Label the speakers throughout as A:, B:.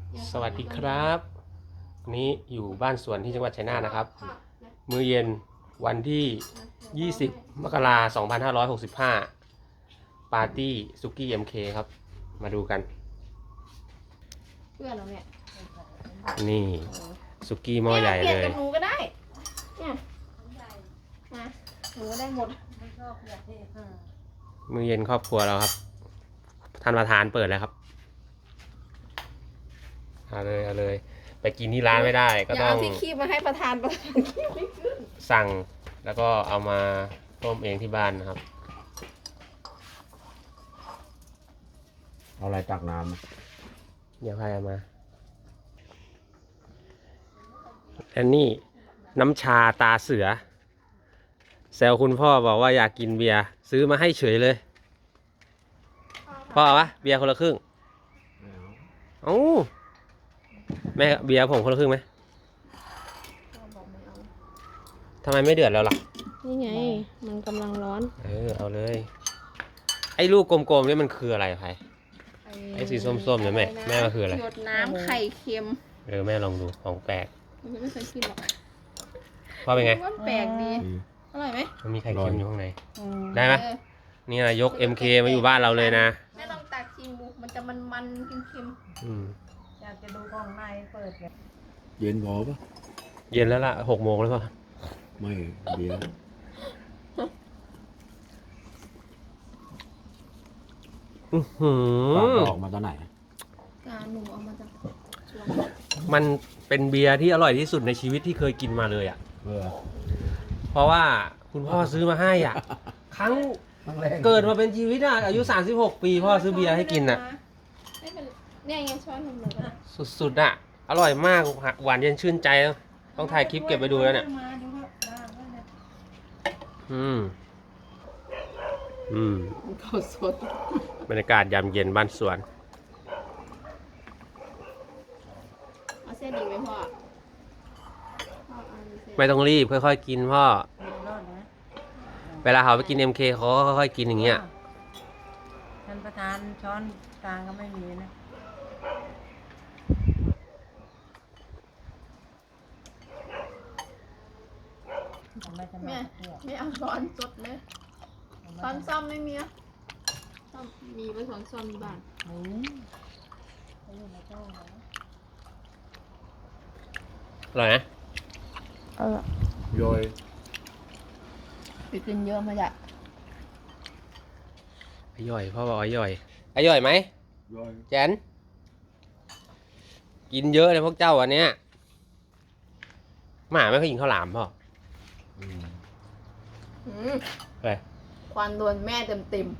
A: สวัสดีครับวันนี้อยู่บ้านสวนที่จังหวัดชัยนาทนะครับมื้อเย็นวันที่ 20 มกราคม 2565 ปาร์ตี้ซุกี้ MK ครับ มาดูกัน
B: เพื่อนเราเนี่ย
A: นี่ซุกี้หม้อใหญ่เลย
B: เปลี่ยนกับหนูก็ได้ เนี่ยนะหนูก็ได้หมด
A: มื้อเย็นครอบครัวเราครับ ท่านประธานเปิดแล้วครับ เอาเลย ไปกินที่ร้านไม่ได้ก็
B: อย่า
A: ต้อง
B: เอาที่คีบมาให้ประธานคีบไม่ขึ้น
A: สั่งแล้วก็เอามาต้มเองที่บ้านนะครับ
C: เอาอะไรตักน้ำ
A: เดี๋ยวใครเอามาอันนี้น้ำชาตาเสือแซวคุณพ่อบอกว่าอยากกินเบียร์ซื้อมาให้เฉยเลยพ่อเอาวะเบียร์คนละครึ่งเอ้าแม่เบียร์ผมคนละครึ่งไหมทำไมไม่เดือดแล้วล่ะ
B: นี่ไง มันกำลังร้อน
A: เอาเลยไอ้ลูกกลมๆนี่มันคืออะไรไผ่ไอ้สีส้มๆเนี่ยแม่มันคืออะไร
B: หยดน้ำไข่เค็ม
A: แม่ลองดูของแปลก
B: ไม่เคยกินหรอก
A: พ่อเป็นไง
B: ว่าแปลกดีอร่อยไหม
A: มันมีไข่เค็มอยู่ข้างในได้ไหมนี่นะยก MK มาอยู่บ้านเราเลยนะ
B: แม่ลองตักชิมดูมันจะมันๆเค็ม
D: อยากจะดูกล่องในเปิดแบบ
C: เย็นพอปะ
A: เย็นแล้วล่ะ6 โมงแล้วป่ะ
C: ไม่เบียร์ ปากออกมาตอนไหน
B: ๆการหนูเอามาจากสวน
A: มันเป็นเบียร์ที่อร่อยที่สุดในชีวิตที่เคยกินมาเลยอ่ะ เพราะว่าคุณพ่อซื้อมาให้อ่ะ ครั้งเกิดมาเป็นชีวิตอ่ะอายุ36 ปีพ่อซื้อเบียร์ให้กินอ่ะ
B: ไม่เป็นเนี่ยไงช้อนทำเลยก็ได้
A: สุดๆอ่ะ อร่อยมากหวานเย็นชื่นใจต้องถ่ายคลิปเก็บไปดูแล้วเนี่ย
D: มาดูว่าบ้างว่าเนี่ย
B: ข้าวสด
A: บรรยากาศยามเย็นบ้านสวน
B: เอาเส้นดีไหมพ่อพ่อเอาเส้น
A: ไม่ต้องรีบค่อยๆกินพ่อ
D: เห็นรอดนะ
A: เวลาเขาไปกิน MK เขาก็ค่อยๆกินอย่างเงี้ย
D: ท่านประธานช้อนกลางก็ไม่มีนะทำไมจะ
B: แม่
D: มาเพื่อ
B: ไม่เอาช้อนสดเลยช้อนซ่อมไม่มีอะซ่อมมีไว้ช้อนซ่อมที่บ้าน
D: หมูเขาอยู่ในตู้นะ
A: อร่อยนะ
C: ย่อย
B: ไปกินเยอะมาจาก
A: อร่อยพ่อบอกอร่อยอร่อยไหม
C: ย่อย
A: แจนกินเยอะเลยพวกเจ้าอันเนี้ยหมาไม่เคยกินข้าวหลามพ่อ ไป
B: ควันโดนแม่เต็ม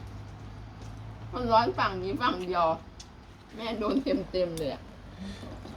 B: มันร้อนฝั่งนี้ฝั่งเดียว แม่โดนเต็มเลยอะ